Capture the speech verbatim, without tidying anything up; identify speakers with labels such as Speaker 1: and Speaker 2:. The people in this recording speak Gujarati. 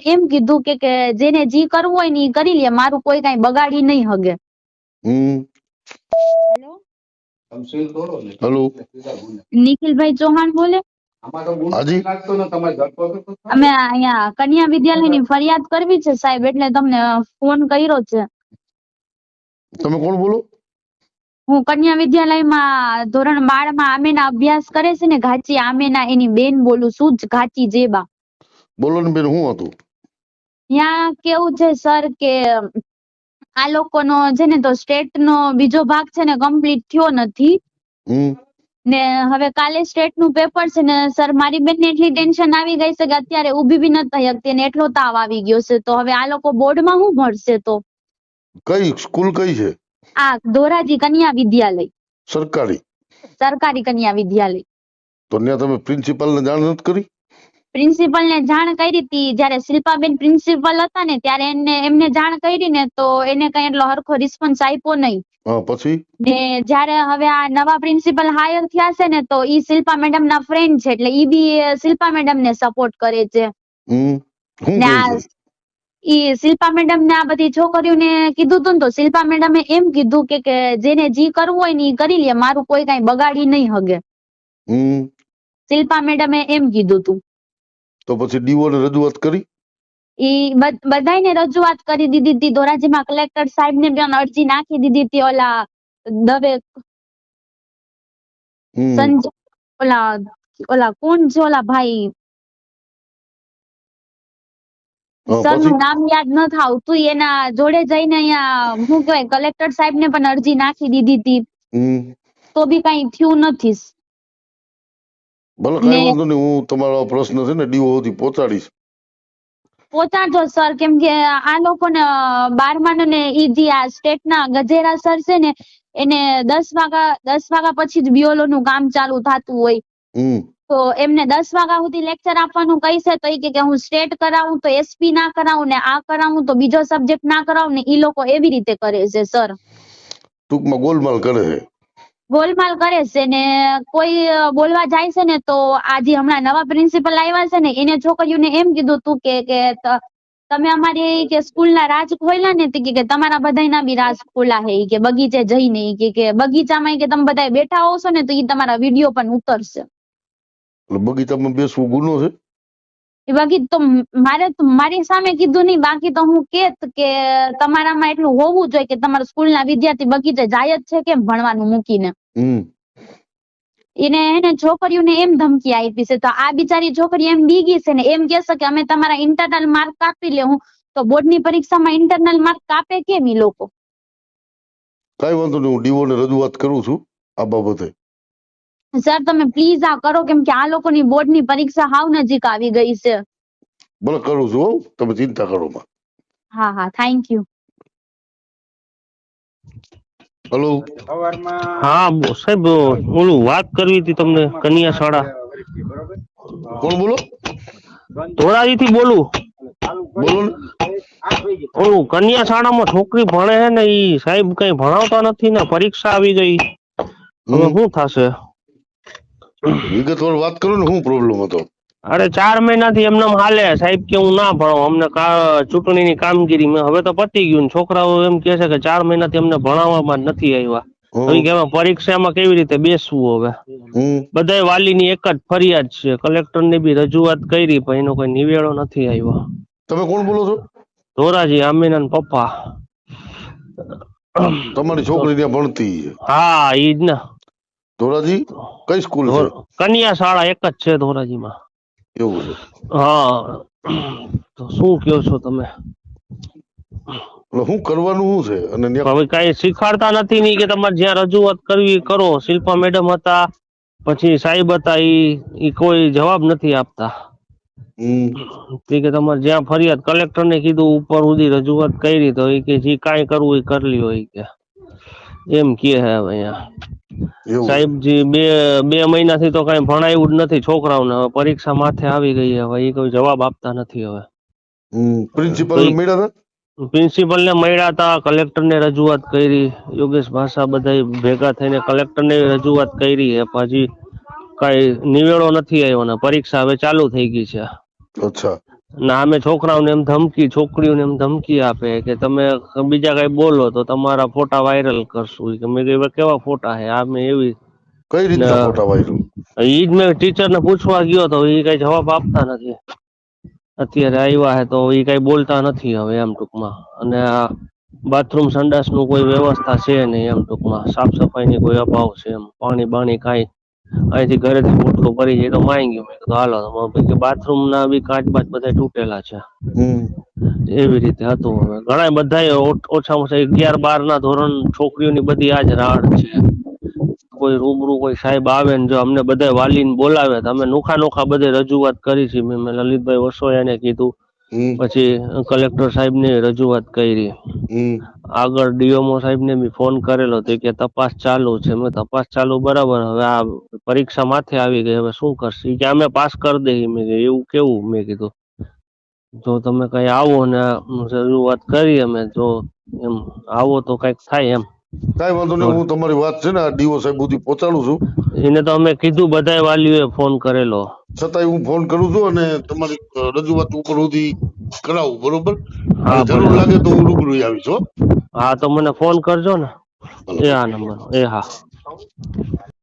Speaker 1: એમ કીધું કે કે જેને જી કરવું હોય ને ઈ કરી લે, મારું કોઈ કઈ બગાડી નહીં હગે.
Speaker 2: હમ
Speaker 1: હેલો,
Speaker 2: હેલો,
Speaker 1: નિખિલભાઈ ચૌહાણ બોલે?
Speaker 2: હાજી,
Speaker 1: અમે અહીંયા કન્યા વિદ્યાલયની ફરિયાદ કરવી છે સાહેબ, એટલે તમને ફોન કર્યો છે.
Speaker 2: તમે કોણ બોલો?
Speaker 1: હું કન્યા વિદ્યાલયમાં ધોરણ બાર માં આમેના અભ્યાસ કરે છે ને, ઘાચી આમેના, એની બેન બોલું છું, ઘાચી જેબા.
Speaker 2: બોલો ને બેન, શું હતું?
Speaker 1: ત્યાં કેવું છે સર કે આ લોકોનો છે ને તો સ્ટેટ નો બીજો ભાગ છે ને કમ્પ્લીટ થયો નથી.
Speaker 2: હમ
Speaker 1: ને હવે કાલે સ્ટેટ નું પેપર છે ને સર, મારી બેન ને એટલી ટેન્શન આવી ગઈ છે કે અત્યારે ઊભી બી નથી થઈ શકતી ને એટલો તાવ આવી ગયો છે. તો હવે આ લોકો બોર્ડમાં શું ભણશે? તો
Speaker 2: કઈ સ્કૂલ કઈ છે?
Speaker 1: આ ધોરાજી કન્યા વિદ્યાલય,
Speaker 2: સરકારી
Speaker 1: સરકારી કન્યા વિદ્યાલય.
Speaker 2: તો ત્યાં તમે પ્રિન્સિપાલ ને જાણ નથી કરી?
Speaker 1: પ્રિન્સિપલ ને જાણ કરી હતી, જયારે શિલ્પાબેન પ્રિન્સિપલ હતા ને ત્યારે એને એમને જાણ કરી ને તો એને કઈ એટલો હરખો રિસ્પોન્સ આપ્યો નહીં.
Speaker 2: હા, પછી
Speaker 1: ને જયારે હવે આ નવા પ્રિન્સિપલ હાયર થયા છે ને તો ઈ શિલ્પા મેડમ ના ફ્રેન્ડ છે, એટલે ઈ બી શિલ્પા મેડમ ને સપોર્ટ કરે છે.
Speaker 2: હમ શું
Speaker 1: ને
Speaker 2: કહે
Speaker 1: આ
Speaker 2: છે?
Speaker 1: ઈ શિલ્પા મેડમ ને આ બધી છોકરીઓને કીધું તું ને તો શિલ્પા મેડમે એમ કીધું કે કે જેને જી કરવું હોય ને ઈ કરી લે, મારું કોઈ કઈ બગાડી નહીં હગે.
Speaker 2: હમ
Speaker 1: શિલ્પા મેડમે એમ કીધું તું.
Speaker 2: તો પછી ડીઓ ને રજૂઆત કરી?
Speaker 1: ઈ બધાને રજૂઆત કરી દીધી હતી. ધોરાજીમાં કલેક્ટર સાહેબ ને પણ અરજી નાખી દીધી હતી. ઓલા દવે
Speaker 2: હમ
Speaker 1: સંજય ઓલા ઓલા કોણ છે ઓલા ભાઈ,
Speaker 2: હા,
Speaker 1: સર
Speaker 2: પછી
Speaker 1: નું નામ યાદ નથી આવતું, એના જોડે જઈને અહીંયા શું કહેવાય કલેક્ટર સાહેબ ને પણ અરજી નાખી દીધી હતી.
Speaker 2: હમ
Speaker 1: તો બી કઈ થયું નથી.
Speaker 2: ભલે, કઈ વાંધો નહીં, હું તમારો આ પ્રશ્ન છે ને ડીઓ સુધી પહોંચાડીશ.
Speaker 1: પહોંચાડજો સર, કેમ કે આ લોકોને બારમા ને ઈ જે આ સ્ટેટ ના ગજેરા સર છે ને એને દસ વાગા દસ વાગા પછી જ બીઓલો નું કામ ચાલુ થતું હોય.
Speaker 2: હમ
Speaker 1: તો એમને દસ વાગ્યા સુધી લેક્ચર આપવાનું કહીશે તો ઈ કે હું સ્ટેટ કરાવું તો એસપી ના કરાવું ને આ કરાવું તો બીજો સબ્જેક્ટ ના કરાવું ને, ઈ લોકો એવી રીતે કરે છે સર.
Speaker 2: ટૂંકમાં ગોલમાલ કરે છે.
Speaker 1: ગોલમાલ કરે છે ને કોઈ બોલવા જાય છે ને તો આજે હમણાં નવા પ્રિન્સિપલ આવ્યા છે ને એને છોકરીઓને એમ કીધું તું કે કે ત- તમે અમારી કે સ્કૂલ ના રાજ ખોલ્યા ને તો કે તમારા બધાના બી રાજ ખોલા હે ઈ કે બગીચે જઈને ઈ કે કે બગીચામાં ઈ કે તમે બધા બેઠા હોશો ને તો ઈ તમારા વિડીયો પણ ઉતરશે.
Speaker 2: એટલે બગીચામાં બેસવું ગુનો છે?
Speaker 1: એ બાકી તો મારે તો મારી સામે કીધું નહીં, બાકી તો હું કેત કે તમારામાં એટલું હોવું જોઈએ કે તમારા સ્કૂલના વિદ્યાર્થી બગીચે જાય જ છે કેમ ભણવાનું મૂકીને.
Speaker 2: હમ
Speaker 1: એને એને છોકરીઓને એમ ધમકી આપી છે તો આ બિચારી છોકરી એમ બીગી છે ને એમ કહેશે કે અમે તમારા ઇન્ટરનલ માર્ક કાપી લેવું, તો બોર્ડની પરીક્ષામાં ઇન્ટરનલ માર્ક કાપે કેમ ઈ લોકો?
Speaker 2: કઈ વાંધો નહીં, હું ડીઓ ને રજૂઆત કરું છું આ બાબતે.
Speaker 1: સર તમે પ્લીઝ આ કરો, કેમ કે આ લોકોની બોર્ડની પરીક્ષા હાવ નજીક આવી ગઈ છે.
Speaker 2: ભલે કરું છું, હો, તમે ચિંતા કરો માં.
Speaker 1: હા હા, થેન્ક યુ.
Speaker 2: હેલો,
Speaker 3: હા બો- સાહેબ ઓલું વાત કરવી હતી તમને, કન્યા શાળા
Speaker 2: કોણ બોલો?
Speaker 3: ધોરાજી થી બોલું.
Speaker 2: બોલો ને.
Speaker 3: ઓલું કન્યા શાળામાં છોકરી ભણે છે ને ઈ સાહેબ કઈ ભણાવતા નથી ને પરીક્ષા આવી ગઈ, હવે
Speaker 2: હમ
Speaker 3: શું થશે?
Speaker 2: વિગતવાર વાત કરો ને, શું પ્રોબ્લેમ હતો?
Speaker 3: અરે ચાર મહિનાથી એમને એમ હાલે, સાહેબ કે હું ના ભણાવું, અમને કા- ચૂંટણીની કામગીરી મેં હવે તો પતી ગયું ને છોકરાઓ એમ કે છે કે ચાર મહિનાથી અમને ભણાવવામાં જ નથી આવ્યા. હવે કે એમાં પરીક્ષામાં કેવી રીતે બેસવું? હવે
Speaker 2: હમ
Speaker 3: બધાય વાલીની એક જ ફરિયાદ છે, કલેક્ટર ને બી રજૂઆત કરી પણ એનો કોઈ નિવેડો નથી આવ્યો.
Speaker 2: તમે કોણ બોલો છો?
Speaker 3: ધોરાજી આમીના ના પપ્પા.
Speaker 2: તમારી છોકરી ત્યાં ભણતી છે?
Speaker 3: હા ઈ જ ને.
Speaker 2: ધોરાજી કઈ સ્કૂલ છે?
Speaker 3: કન્યા શાળા એક જ છે ધોરાજીમાં.
Speaker 2: એવું છે?
Speaker 3: હા, તો શું કયો છો તમે?
Speaker 2: એટલે શું કરવાનું શું છે? અને ત્યાં
Speaker 3: હવે કઈ શીખાડતા નથી ની કે તમારે જ્યાં રજૂઆત કરવી કરો. શિલ્પા મેડમ હતા, પછી સાહેબ હતા, ઈ ઈ કોઈ જવાબ નથી આપતા.
Speaker 2: હમ
Speaker 3: કે તમારે જ્યાં ફરિયાદ કલેક્ટર ને કીધું, ઉપર સુધી રજૂઆત કરી તો એ કે જે કાંઈ કરવું એ કરી લ્યો ઈ કે એમ કે હે. હવે અહીંયા
Speaker 2: એવું છે?
Speaker 3: સાહેબજી બે બે મહિનાથી તો કઈ ભણાયું જ નથી છોકરાઓને, હવે પરીક્ષા માથે આવી ગઈ, હવે એ કોઈ જવાબ આપતા નથી. હવે
Speaker 2: હમ પ્રિન્સિપલ ને મળ્યા હતા?
Speaker 3: પ્રિન્સિપલ ને મળ્યા હતા, કલેક્ટર ને રજૂઆત કરી, યોગેશ ભાષા બધા ભેગા થઈને કલેક્ટર ને રજૂઆત કરી, પછી કઈ નિવેડો નથી આવ્યો ને પરીક્ષા હવે ચાલુ થઈ ગઈ છે.
Speaker 2: અચ્છા,
Speaker 3: ના અમે છોકરાઓને એમ ધમકી છોકરીઓને એમ ધમકી આપે કે તમે બીજા કઈ બોલો તો તમારા ફોટા વાયરલ કરશું. ઈ કે મેં કીધું કેવા ફોટા હે આ મેં એવી
Speaker 2: કઈ
Speaker 3: ને
Speaker 2: રીતના ફોટા વાયરલ?
Speaker 3: ઈ જ મેં ટીચર ને પૂછવા ગયો તો ઈ કઈ જવાબ આપતા નથી. અત્યારે આવ્યા હે તો ઈ કઈ બોલતા નથી હવે એમ ટૂંકમાં. અને આ બાથરૂમ સંડાસ નું કોઈ વ્યવસ્થા છે નહીં એમ ટૂંકમાં. સાફ સફાઈ ની કોઈ અભાવ છે એમ. પાણી બાણી કાંઈ અહીંથી ઘરેથી પોટલું ભરી જાય તો માઈ ગયું. મેં કીધું હાલો બાથરૂમ ના બી કાચ બાચ બધા તૂટેલા છે.
Speaker 2: હમ
Speaker 3: એવી રીતે હતું. હવે ઘણા બધા ઓછામાં ઓછા અગિયાર બાર ના ધોરણ છોકરીઓની બધી આજ રાડ છે. કોઈ રૂબરૂ કોઈ સાહેબ આવે ને જો અમને બધા વાલીને બોલાવે તો અમે નોખા નોખા બધે રજૂઆત કરી છે. મેં લલિતભાઈ વસોયાને કીધું,
Speaker 2: હમ
Speaker 3: પછી કલેક્ટર સાહેબ ને રજૂઆત કરી.
Speaker 2: હમ
Speaker 3: આગળ ડીઓમો સાહેબ ને બી ફોન કરેલો તો કે તપાસ ચાલુ છે. મેં તપાસ ચાલુ બરાબર, હવે આ પરીક્ષા માથે આવી ગઈ હવે શું કરશે? ઈ કે અમે પાસ કરી દઈએ. મેં કીધું એવું કેવું? મેં કીધું જો તમે કઈ આવો ને રજૂઆત કરી અમે જો એમ આવો તો કઈક થાય એમ.
Speaker 2: કઈ વાંધો નહીં, હું તમારી વાત છે ને આ ડીઓ સાહેબ સુધી પહોંચાડું છું.
Speaker 3: એને તો અમે કીધું બધાય વાલીઓએ ફોન કરેલો.
Speaker 2: છતાંય હું ફોન કરું છું અને તમારી અ, રજૂઆત ઉપર સુધી કરાવું, બરોબર?
Speaker 3: હા,
Speaker 2: અને જરૂર
Speaker 3: ભલે.
Speaker 2: લાગે તો હું રૂબરૂ આવીશ હો.
Speaker 3: હા તો મને ફોન કરજો ને. એ હા નંબર એ હા.